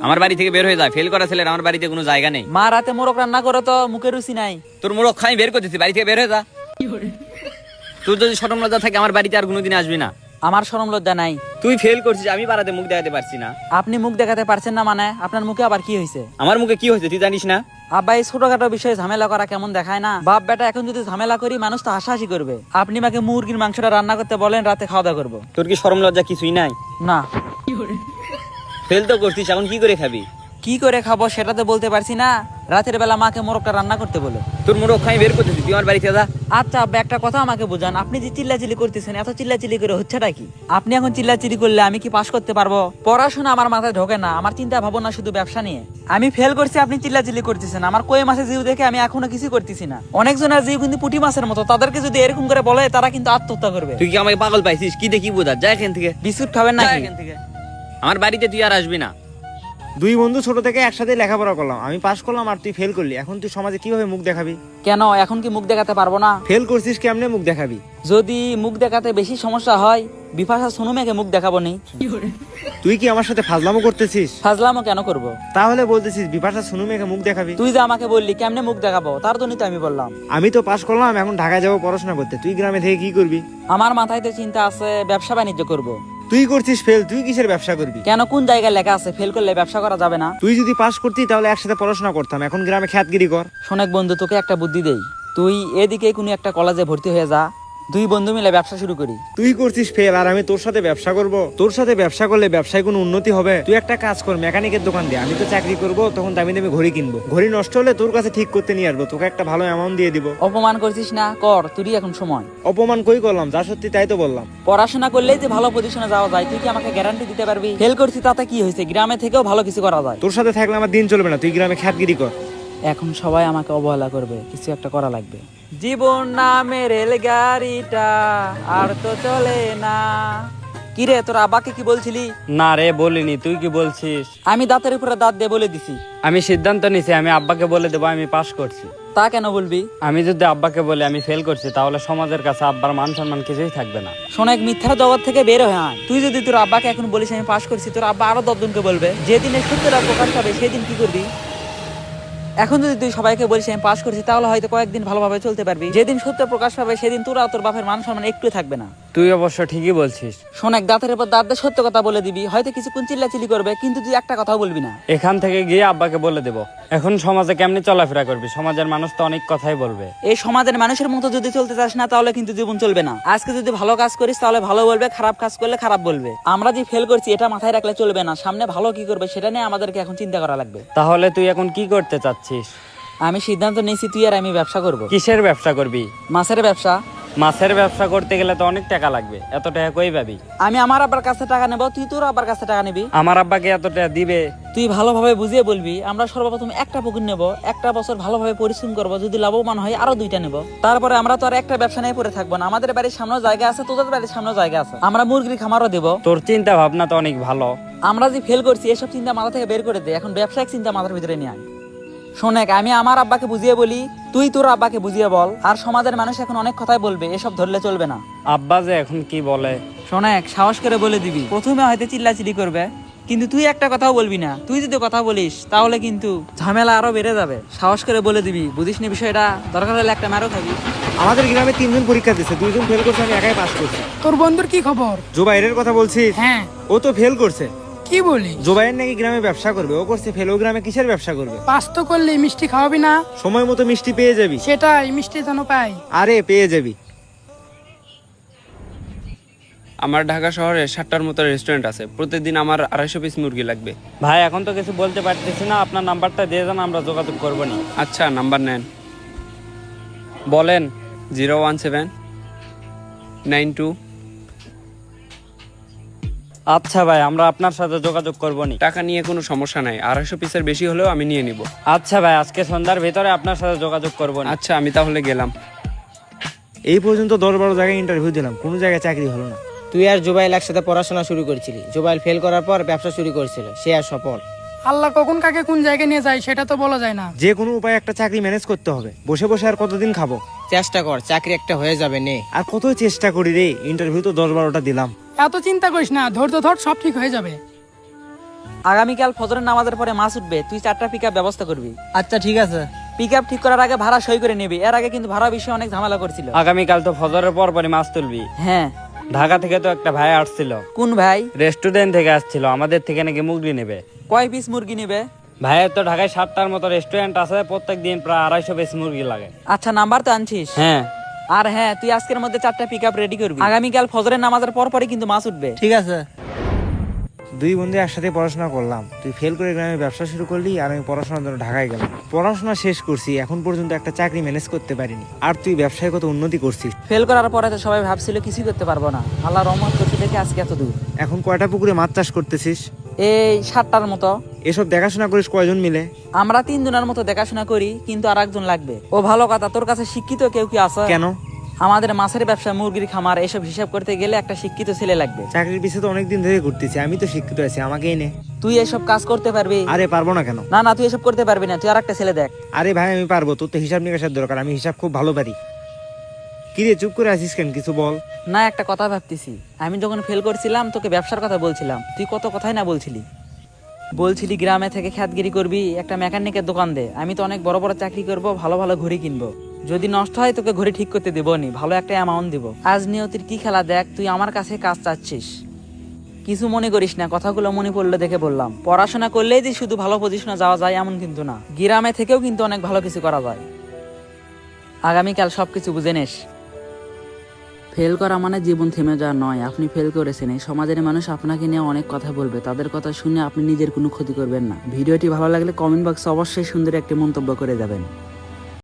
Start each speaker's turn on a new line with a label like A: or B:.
A: আমার বাড়ি থেকে বের হয়ে যায়। ফেল করা ছেলের আমার বাড়িতে কোনো জায়গা নেই।
B: মা রাতে মোরগ রান্না করে তো মুখে রুচি নাই।
A: তোর মোড়ক খাই বের করতেছি, বাড়ি থেকে বের হয়ে যা। তোর যদি শরম লজ্জা থাকে আমার বাড়িতে আর কোনোদিন আসবি না।
B: আমার শরম লজ্জা নাই।
A: তুই ফেল করছিস, আমি পাড়াতে মুখ দেখাতে পারছি না।
B: আপনি মুখ দেখাতে পারছেন না মানে আপনার মুখে আবার কি হয়েছে?
A: আমার মুখে কি হয়েছে তুই জানিস না?
B: আব্বা এই ছোটখাটো বিষয়ে ঝামেলা করা কেমন দেখায় না? বাপ বেটা এখন যদি ঝামেলা করি মানুষ তো হাসাহাসি করবে। আপনি মাকে মুরগির মাংসটা রান্না করতে বলেন, রাতে খাওয়া দাওয়া করবো।
A: তোর কি শরম লজ্জা কিছুই নাই?
B: না।
A: ফেল তো করছিস, এখন কি করে খাবি?
B: কি করে খাবো সেটা তো বলতে পারছি না। রাতের বেলা মাকে মোরগটা রান্না করতে বলে।
A: তোর মোড়ক খাই বের করতেছি, তুই আমার বাড়িতে যা।
B: আচ্ছা আব্বা একটা কথা আমাকে বোঝান, আপনি যে চিল্লাচিল্লি করতেছেন, এত চিল্লাচিল্লি করে হচ্ছেটা কি? আপনি এখন চিল্লাচিল্লি করলে আমি কি পাস করতে পারবো? পড়াশোনা আমার মাথায় ঢোকে না, আমার চিন্তা ভাবনা শুধু ব্যবসা নিয়ে। আমি ফেল করছি, আপনি চিল্লাচিল্লি করতেছেন। আমার কই মাছের জিউ দেখে আমি এখনো কিছু করতেছি না। অনেকজনের জিউ কিন্তু পুঁটি মাছের মতো, তাদেরকে যদি এরকম করে বলে তারা কিন্তু আত্মহত্যা করবে।
A: তুই কি আমাকে পাগল পাইছিস? কি দেখি বোঝা যা এখান থেকে।
B: বিস্কুট খাবেন না?
A: এখান থেকে আমার বাড়িতে তুই আর আসবি না।
C: দুই বন্ধু ছোট থেকে একসাথে লেখাপড়া করলাম, আমি পাস করলাম আর তুই ফেল করলি। এখন তুই সমাজে কিভাবে মুখ দেখাবি?
B: কেন এখন কি মুখ দেখাতে পারবো না?
C: ফেল করছিস কেমনে মুখ দেখাবি?
B: যদি মুখ দেখাতে বেশি সমস্যা হয় বিপাশা সোনু মেয়েকে মুখ দেখাবো নি।
C: তুই কি আমার সাথে ফাজলামো করতেছিস?
B: ফাজলামও কেন করব?
C: তাহলে বলতেছিস বিপাশা সোনু মেয়েকে মুখ দেখাবি?
B: তুই যে আমাকে বললি কেমনে মুখ দেখাবো, তার জন্যই তো আমি বললাম।
C: আমি তো পাস করলাম, এখন ঢাকায় যাবো পড়াশোনা করতে। তুই গ্রামে থেকে কি করবি?
B: আমার মাথায় তো চিন্তা আছে ব্যবসা বাণিজ্য করব।
C: তুই করছিস ফেল, তুই কিসের ব্যবসা করবি?
B: কেন, কোন জায়গায় লেখা আছে ফেল করলে ব্যবসা করা যাবে না?
C: তুই যদি পাস করতি তাহলে একসাথে পড়াশোনা করতাম, এখন গ্রামে খ্যাতগিরি কর।
B: শোনেক বন্ধু, তোকে একটা বুদ্ধি দেই। তুই এদিকে কোনো একটা কলেজে ভর্তি হয়ে যা, দুই বন্ধু মিলে ব্যবসা শুরু করি।
C: তুই করছিস ফেল আর আমি তোর সাথে ব্যবসা করব? তোর সাথে ব্যবসা করলে ব্যবসায় কোনো উন্নতি হবে? তুই একটা কাজ কর, মেকানিকের দোকান দে। আমি তো চাকরি করব, তখন দামি দামি ঘড়ি কিনবো। ঘড়ি নষ্ট হলে তোর কাছে ঠিক করতে নিয়ে আসবো, তোকে একটা ভালো অ্যামাউন্ট দিয়ে দিব।
B: অপমান করছিস না, কর, তুই এখন সময়।
C: অপমান কই করলাম? যা সত্যি তাই তো বললাম।
B: পড়াশোনা করলেই যে ভালো পজিশনে যাওয়া যায়, তুই কি আমাকে গ্যারান্টি দিতে পারবি? ফেল করছি তাতে কি হয়েছে, গ্রামে থেকেও ভালো কিছু করা যায়।
C: তোর সাথে থাকলে আমার দিন চলবে না, তুই গ্রামে খ্যাতগিরি কর।
B: এখন সবাই আমাকে অবহেলা করবে, কিছু একটা করা লাগবে। জীবন নামে রেলগাড়িটা আর তো চলে না। কি রে, তোর আব্বাকে কি বলছিলি?
D: না রে বলিনি, তুই কি বলছিস?
B: আমি দাঁতের উপরে দাঁত দিয়ে বলে দিছি।
D: আমি সিদ্ধান্ত নিছি, আমি আব্বাকে বলে দেবো আমি পাস করছি।
B: তা কেন বলবি?
D: আমি যদি আব্বাকে বলি আমি ফেল করছি, তাহলে সমাজের কাছে আব্বার মান সম্মান কিছুই থাকবে না।
B: শোনেক, মিথ্যার জগৎ থেকে বের হয়ে আয়। তুই যদি তোর আব্বাকে এখন বলিস আমি পাস করছি, তোর আব্বা আরো 10 জনকে বলবে। যেদিনে সত্যটা প্রকাশ পাবে সেদিন কি করবি? এখন যদি তুই সবাইকে বলিস আমি পাস করছি, তাহলে হয়তো কয়েকদিন ভালোভাবে চলতে পারবি। যেদিন সত্য প্রকাশ পাবে সেদিন তোরা তোর বাপের মান সম্মান একটু থাকবে না।
D: তুই অবশ্য ঠিকই বলছিস।
B: শোনেক, দাঁতের উপর দাঁত দিয়ে সত্য কথা বলে দিবি, হয়তো কিছুক্ষণ চিল্লাচিল্লি করবে, কিন্তু তুই একটা কথাও বলবি না।
D: এখান থেকে গিয়ে আব্বাকে বলে দেবো। এখন সমাজে কেমনি চলাফেরা করবি? সমাজের মানুষ তো অনেক কথাই বলবে।
B: এই সমাজের মানুষের মতো যদি চলতে চাস না, তাহলে কিন্তু জীবন চলবে না। আজকে যদি ভালো কাজ করিস তাহলে ভালো বলবে, খারাপ কাজ করলে খারাপ বলবে। আমরা যে ফেল করছি এটা মাথায় রাখলে চলবে না, সামনে ভালো কি করবে সেটা নিয়ে আমাদেরকে এখন চিন্তা করা লাগবে।
D: তাহলে তুই এখন কি করতে চাচ্ছিস?
B: আমি সিদ্ধান্ত নিয়েছি তুই আর আমি ব্যবসা করব।
D: কিসের ব্যবসা করবি?
B: মাছের ব্যবসা।
D: মাছের ব্যবসা করতে গেলে তো অনেক টাকা লাগবে, এত টাকা কই পাবি?
B: আমি আমার আব্বার কাছে টাকা নেব, তুই তোর আব্বার কাছে টাকা নিবি।
D: আমার আব্বাকে এত টাকা দিবে?
B: তুই ভালোভাবে বুঝিয়ে বলবি। আমরা সর্বপ্রথম একটা পুকুর নেব, একটা বছর ভালোভাবে পরিশ্রম করব, যদি লাভবান হয় আরো 2টা নেব। তারপরে আমরা তো আর একটা ব্যবসা নিয়ে পড়ে থাকবো না। আমাদের বাড়ির সামনেও জায়গা আছে, তোদের বাড়ির সামনেও জায়গা আছে, আমরা মুরগির খামারও দেব।
D: তোর চিন্তা ভাবনা তো অনেক ভালো।
B: আমরা যে ফেল করছি এসব চিন্তা মাথা থেকে বের করে দে, এখন ব্যবসায়িক চিন্তা মাথার ভিতরে নিয়ে আয়। শোনেক, আমি আমার আব্বাকে বুঝিয়ে বলি, তুই তোর আব্বাকে বুঝিয়ে বল। আর সমাজের মানুষ এখন অনেক কথাই বলবে, এসব ধরলে চলবে না।
D: আব্বা যে এখন কি বলে?
B: শোনেক, সাহস করে বলে দিবি। প্রথমে হয়তো চিল্লাচিল্লি করবে, কিন্তু তুই একটা কথাও বলবি না। তুই যদি কথা বলিস তাহলে কিন্তু ঝামেলা আরো বেড়ে যাবে। সাহস করে বলে দিবি, বুঝিস নি বিষয়টা, দরকার হলে একটা মারও খাবি।
C: আমাদের গ্রামে 3 জন পরীক্ষা দিচ্ছে, 2 জন ফেল করছে, আমি একাই পাস করছি।
E: তোর বন্ধুর কি খবর?
C: জোবাইরের কথা বলছিস?
E: হ্যাঁ।
C: ও তো ফেল করছে।
E: কি বলি?
C: জোবাইর নাকি গ্রামে ব্যবসা করবে, ও করছে ফেল। ও গ্রামে কিসের ব্যবসা করবে?
E: পাস তো করলে মিষ্টি খাওয়াবি না?
C: সময় মতো মিষ্টি পেয়ে যাবি।
E: সেটাই, মিষ্টি যেন পাই।
C: আরে পেয়ে যাবি।
F: আমার ঢাকা শহরে 7টার মতো রেস্টুরেন্ট আছে, প্রতিদিন আমার 250 পিস মুরগি লাগবে।
D: ভাই এখন তো কিছু বলতে পারতেছি না, আপনার নাম্বারটা দিয়ে দেন, আমরা যোগাযোগ করবো না।
F: আচ্ছা নাম্বার নেন,
D: বলেন।
F: 01792।
D: আচ্ছা ভাই, আমরা আপনার সাথে যোগাযোগ করবো না।
F: টাকা নিয়ে কোনো সমস্যা নাই, 250 পিসের বেশি হলেও আমি নিয়ে নিব।
D: আচ্ছা ভাই, আজকে সন্ধ্যার ভিতরে আপনার সাথে যোগাযোগ করবো না।
F: আচ্ছা আমি তাহলে গেলাম।
C: এই পর্যন্ত 10-12 জায়গায় ইন্টারভিউ দিলাম, কোনো জায়গায় চাকরি হলো না।
G: তুই আর জুবাইল একসাথে পড়াশোনা শুরু করেছিলি, জুবাইল ফেল করার পর ব্যবসা শুরু করেছিল, সে আর সফল।
E: আল্লাহ কখন কাকে কোন জায়গায় নিয়ে যায় সেটা তো বলা যায় না।
C: যে কোনো উপায়ে একটা চাকরি ম্যানেজ করতে হবে। বসে বসে আর কতদিন খাবো?
G: চেষ্টা কর, চাকরি একটা হয়ে যাবে নে।
C: আর কত চেষ্টা করি রে, ইন্টারভিউ তো 10-12টা দিলাম।
E: এত চিন্তা করিস না, ধৈর্য ধর, সব ঠিক হয়ে যাবে।
B: আগামীকাল ফজরের নামাজের পরে মাছ উঠবে, তুই 4টা পিক ব্যবস্থা করবি।
G: আচ্ছা ঠিক আছে।
B: পিক ঠিক করার আগে ভাড়া সই করে নিবি। এর আগে কিন্তু ভাড়া বিষয়ে অনেক ঝামেলা করছিল।
D: আগামীকাল তো ফজরের পর পরই মাছ তুলবি।
B: হ্যাঁ।
D: ঢাকা থেকে তো একটা ভাই আসছিল,
B: কোন ভাই?
D: রেস্টুরেন্ট থেকে আসছিল, আমাদের থেকে নাকি মুরগি নেবে।
B: কয় পিস মুরগি নিবে?
D: ভাইয়ের তো ঢাকায় 7টার মতো রেস্টুরেন্ট আছে, প্রত্যেক দিন প্রায় 250 পিস মুরগি লাগে।
B: আচ্ছা, নাম্বার তো আনছিস?
D: হ্যাঁ।
B: আর হ্যাঁ, তুই আজকের মধ্যে 4টা পিক রেডি করবি। আগামীকাল ফজরের নামাজের পর পরই কিন্তু মাছ উঠবে।
G: ঠিক আছে।
C: দুই বন্ধু একসাথে পড়াশোনা করলাম, তুই ফেল করে গ্রামে ব্যবসা শুরু করলি আর আমি পড়াশোনার জন্য ঢাকায় গেলাম। পড়াশোনা শেষ করছি, এখন পর্যন্ত একটা চাকরি ম্যানেজ করতে পারিনি, আর তুই ব্যবসায় কত উন্নতি করছিস।
B: ফেল করার পরে তো সবাই ভাবছিল কিছুই করতে পারবো না, আল্লাহ রহমত করতে দেখে আজকে এত দূর।
C: এখন কয়টা পুকুরে মাছ চাষ করতেছিস?
B: এই 7টার মতো।
C: এসব দেখাশোনা করিস কয়জন মিলে?
B: আমরা 3 জনের মতো দেখাশোনা করি, কিন্তু আর একজন লাগবে। ও ভালো কথা, তোর কাছে শিক্ষিত কেউ কি আছে?
C: কেন?
B: আমাদের মাছের ব্যবসা, মুরগির খামার, এসব হিসাব করতে গেলে একটা শিক্ষিত ছেলে লাগবে।
C: চাকরির পিছিয়ে তো অনেকদিন ধরে ঘুরতেছি, আমি তো শিক্ষিত আছি, আমাকেই নে।
B: তুই এসব কাজ করতে পারবি?
C: আরে পারবো না কেন?
B: না না, তুই এসব করতে পারবি না, তুই আর একটা ছেলে দেখ।
C: আরে ভাই আমি পারবো, তোর তো হিসাব নিকাশের দরকার, আমি হিসাব খুব ভালো পারি। কি রে চুপ করে আছিস কেন, কিছু বল।
B: না, একটা কথা ভাবতেছি। আমি যখন ফেল করছিলাম তোকে ব্যবসার কথা বলছিলাম, তুই কত কথাই না বলছিলি গ্রামে থেকে খ্যাতগিরি করবি, একটা মেকানিকের দোকান দে, আমি তো অনেক বড় বড় চাকরি করব, ভালো ভালো ঘড়ি কিনবো, যদি নষ্ট হয় তোকে ঘড়ি ঠিক করতে দেবো নি, ভালো একটা অ্যামাউন্ট দিব। আজ নিয়তির কি খেলা দেখ, তুই আমার কাছে কাজ চাচ্ছিস। কিছু মনে করিস না, কথাগুলো মনে পড়লে দেখে বললাম। পড়াশোনা করলেই যে শুধু ভালো পজিশনে যাওয়া যায় এমন কিন্তু না, গ্রামে থেকেও কিন্তু অনেক ভালো কিছু করা যায়। আগামীকাল সবকিছু বুঝে নিস। ফেল করা মানে জীবন থেমে যাওয়া নয়। আপনি ফেল করেছেন, এই সমাজের মানুষ আপনাকে নিয়ে অনেক কথা বলবে, তাদের কথা শুনে আপনি নিজের কোনো ক্ষতি করবেন না। ভিডিওটি ভালো লাগলে কমেন্ট বক্সে অবশ্যই সুন্দর একটি মন্তব্য করে যাবেন।